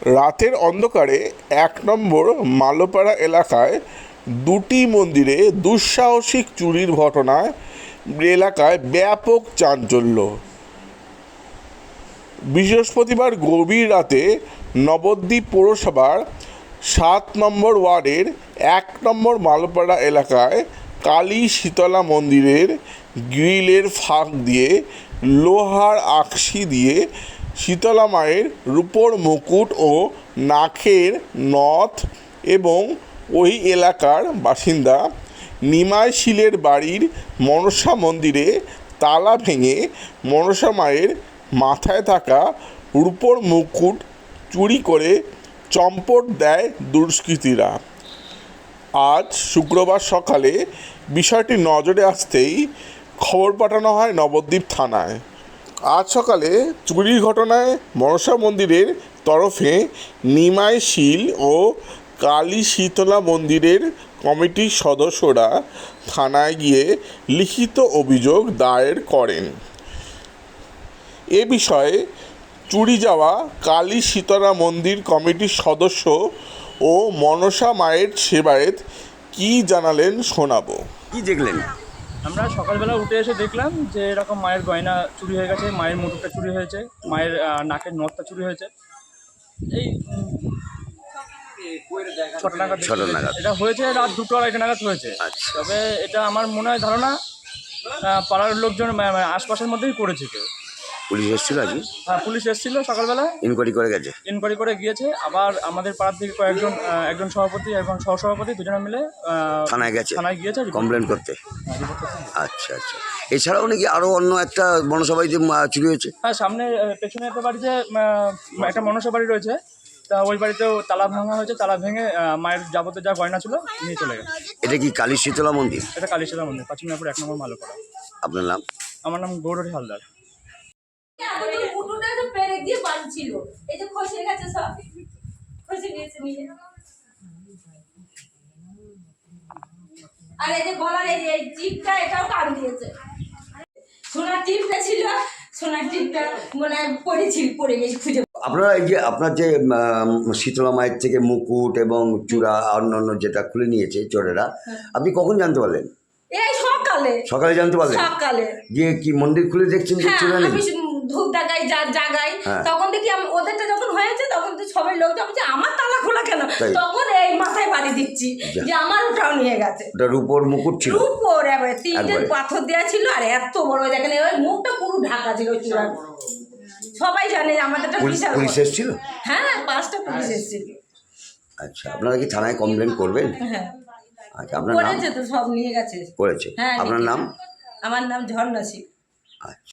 রাতের অন্ধকারে ১ নম্বর মালোপাড়া এলাকায় দুটি মন্দিরে দুঃসাহসিক চুরির ঘটনায় এলাকায় ব্যাপক চাঞ্চল্য। বৃহস্পতিবার গভীর রাতে নবদ্বীপ পৌরসভার ৭ নম্বর ওয়ার্ডের ১ নম্বর মালোপাড়া এলাকায় কালী শীতলা মন্দিরের গ্রিলের ফাঁক দিয়ে লোহার আকশি দিয়ে শীতলা মায়ের রূপোর মুকুট ও নাকের নথ এবং ওই এলাকার বাসিন্দা নিমাই শীলের বাড়ির মনসা মন্দিরে তালা ভেঙে মনসা মায়ের মাথায় থাকা রূপোর মুকুট চুরি করে চম্পট দেয় দুষ্কৃতীরা। আজ শুক্রবার সকালে বিষয়টি নজরে আসতেই খবর পাঠানো হয় নবদ্বীপ থানায়। আজ সকালে চুরির ঘটনায় মনসা মন্দিরের তরফে নিমাই শীল ও কালী শীতলা মন্দিরের কমিটির সদস্যরা থানায় গিয়ে লিখিত অভিযোগ দায়ের করেন। এ বিষয়ে চুরি যাওয়া কালী শীতলা মন্দির কমিটির সদস্য ও মনসা মায়ের সেবায়েত কী জানালেন শোনাবো। কি দেখলেন? আমরা সকালবেলা উঠে এসে দেখলাম যে এরকম মায়ের গয়না চুরি হয়ে গেছে, মায়ের মুকুটটা চুরি হয়েছে, মায়ের নাকের নথটা চুরি হয়েছে। এই ৬টা নাগাদ এটা হয়েছে, রাত 2টো আড়াইটা নাগাদ হয়েছে। তবে এটা আমার মনে হয় ধারণা পাড়ার লোকজন আশপাশের মধ্যেই করেছে কেউ। পুলিশ এসেছিল আজকে? হ্যাঁ, পুলিশ এসেছিল সকালবেলা, ইনকোয়ারি করে গেছে। ইনকোয়ারি করে গিয়েছে। আবার আমাদের পাড়ার থেকে একজন সভাপতি এবং সহসভাপতি দুজনে মিলে থানায় গিয়েছে কমপ্লেন করতে। আচ্ছা আচ্ছা, এছাড়াও নাকি আরও অন্য একটা মনসা বাড়িতে চুরি হয়েছে? হ্যাঁ, সামনে পেছনে একটা বাড়িতে একটা মনসা বাড়ি রয়েছে, তা ওই বাড়িতেও তালা ভাঙা হয়েছে। তালা ভেঙে মায়ের যাবতীয় যা গয়না ছিল নিয়ে চলে গেছে। এটা কি কালী শীতলা মন্দির? এটা কালী শীতলা মন্দির, ৫ মিনাপুর ১ নম্বর মালোপাড়া। আপনার নাম? আমার নাম গৌরী হালদার। আর এই যে গলার এই টিপটা এটাও কান দিয়েছে। সোনার টিপটা ছিল, সোনার টিপটা মানে পড়ে গেছে খুঁজে। আপনারা এই যে আপনার যে শীতলা মায়ের থেকে মুকুট এবং চূড়া অন্যান্য যেটা খুলে নিয়েছে চোরেরা, আপনি কখন জানতে পারলেন? এই সকালে জানতে পারলেন? সকালে যে কি মন্দির খুলে দেখছেন যে চূড়া নেই? আমি ধূপ দেখাই জাগাই, তখন দেখি ওদেরটা যখন হয়েছে তখন তো সবাই লোক বলছে আমার তালা খোলা কেন, তখন এই মাথায় বাড়ি দিচ্ছি যে আমার ওটাও নিয়ে গেছে। ওটা রূপোর মুকুট ছিল, রূপোর এবারে 3টে পাথর দেওয়া ছিল আর এত বড় দেখেন ওই মুখটা পুরো ঢাকা ছিল চূড়া। সবাই জানে আমাদেরটা বিশাল। পুলিশ এসেছিল? হ্যাঁ, 5টা পুলিশ এসেছিল। আচ্ছা, আপনারা কি থানায় কমপ্লেন করবেন? হ্যাঁ, আচ্ছা, আপনার নাম? করেছে তো, সব নিয়ে গেছে। করেছে। হ্যাঁ, আপনার নাম? আমার নাম ঝর্ণা সিং। আচ্ছা।